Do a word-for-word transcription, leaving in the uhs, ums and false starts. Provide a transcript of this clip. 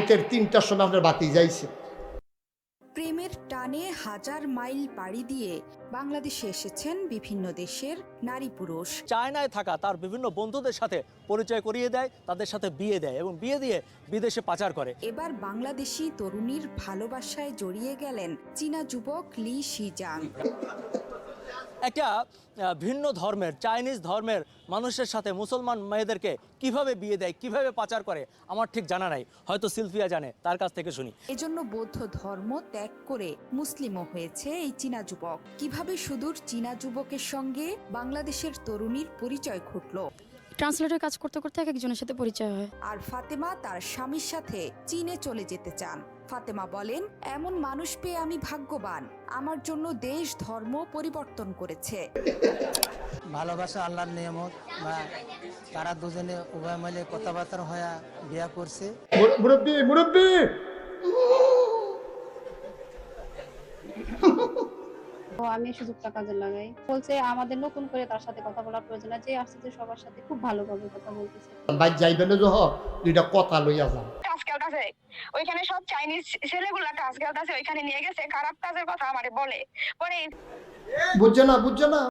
রাইতের তিনটার সময় আপনার বাতি যাইছে। প্রেমের টানে হাজার মাইল পাড়ি দিয়ে বাংলাদেশে এসেছেন বিভিন্ন দেশের নারী পুরুষ। চায়নায় থাকা তার বিভিন্ন বন্ধুদের সাথে পরিচয় করিয়ে দেয়, তাদের সাথে বিয়ে দেয় এবং বিয়ে দিয়ে বিদেশে পাচার করে। এবার বাংলাদেশি তরুণীর ভালোবাসায় জড়িয়ে গেলেন চীনা যুবক লি শিজাং। একটা আহ, ভিন্ন ধর্মের চাইনিজ ধর্মের মানুষের সাথে মুসলমান মেয়েদেরকে কিভাবে বিয়ে দেয়, কিভাবে পাচার করে আমার ঠিক জানা নাই, হয়তো সিলফিয়া জানে, তার কাছ থেকে শুনি। এজন্য বৌদ্ধ ধর্ম ত্যাগ করে মুসলিমও হয়েছে এই চীনা যুবক। কিভাবে সুদূর চীনা যুবকের সঙ্গে বাংলাদেশের তরুণীর পরিচয় ঘটলো। ট্রান্সলেটর কাজ করতে করতে এক একজনের সাথে পরিচয় হয়। আর ফাতেমা তার স্বামীর সাথে চীনে চলে যেতে চান। ফাতেমা বলেন, এমন মানুষ পেয়ে আমি ভাগ্যবান, আমার জন্য দেশ ধর্ম পরিবর্তন করেছে। ভালোবাসা আল্লাহর নিয়ামত, বা তারা দুজনে উভয় মিলে কথাবার্তা হয়ে বিয়া করছে। মুরব্বী মুরব্বী তো আমি সুযোগটা কাজে লাগাই। বলছে আমাদের নতুন করে তার সাথে কথা বলার প্রয়োজন আছে, আসছে যে সবার সাথে খুব ভালোভাবে কথা বলতেছে। ভাই যাইবেন যহ দুইটা কথা লইয়া যান। কাজ খেলতেছে ওইখানে, সব চাইনিজ ছেলেগুলা কাজ খেলতেছে ওইখানে নিয়ে গেছে, খারাপ কাজের কথা আমারে বলে পরে। বুঝছে না বুঝছে না